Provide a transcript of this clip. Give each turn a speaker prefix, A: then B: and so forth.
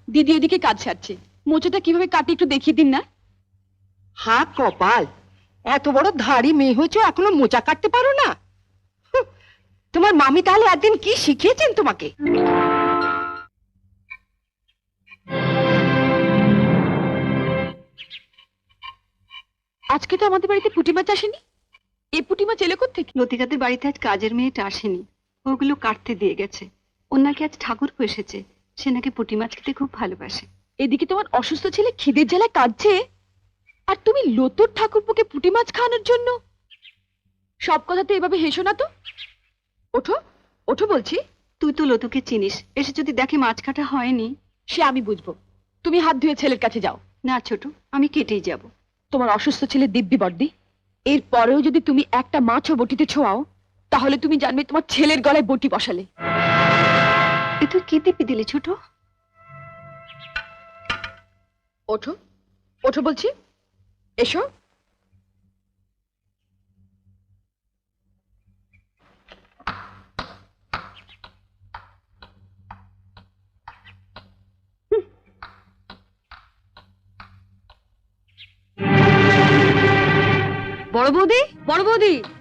A: দিদি এদিকে কাজ সারছে, মোচাটা কিভাবে কাটি একটু দেখিয়ে দিন না।
B: হা কপাল, এত বড় ধাড়ি মেয়ে হয়েছে এখনো মোচা কাটতে পারো না? হুঁ, তোমার মামি তাহলে একদিন কি শিখিয়েছেন তোমাকে?
A: আজকে তো আমাদের বাড়িতে পুঁটি মাছ আসেনি। এই পুঁটি মাছ এলো কোত্থেকে?
C: লতিকাদের বাড়িতে আজ কাজের মেয়েটা আসেনি, ওগুলো কাটতে দিয়ে গেছে। ওর নাকি আজ ঠাকুর এসেছে, সে নাকি পুঁটি মাছ খেতে খুব ভালোবাসে।
A: এদিকে তোমার অসুস্থ ছেলে খিদের জ্বালায় কাঁদছে, আর তুমি লতুর ঠাকুরপোকে পুঁটি মাছ খাওয়ানোর জন্য। সব কথাতে এভাবে হেসো না তো। ওঠো ওঠো বলছি।
C: তুই তো লতুকে চিনিস, এসে যদি দেখে মাছ কাটা হয়নি।
A: সে আমি বুঝবো, তুমি হাত ধুয়ে ছেলের কাছে যাও।
C: না ছোট, আমি কেটেই যাব।
A: তোমার অসুস্থ ছেলে দিব্যি বর্দি, এর পরেও যদি তুমি একটা মাছও বটিতে ছোঁয়াও, তাহলে তুমি জানবে তোমার ছেলের গলায় বটি বসালে।
C: এ তুই কি দিবি দিলি ছোট?
A: ওঠো ওঠো বলছি, এসো।
C: বড় বৌদি, বড় বৌদি,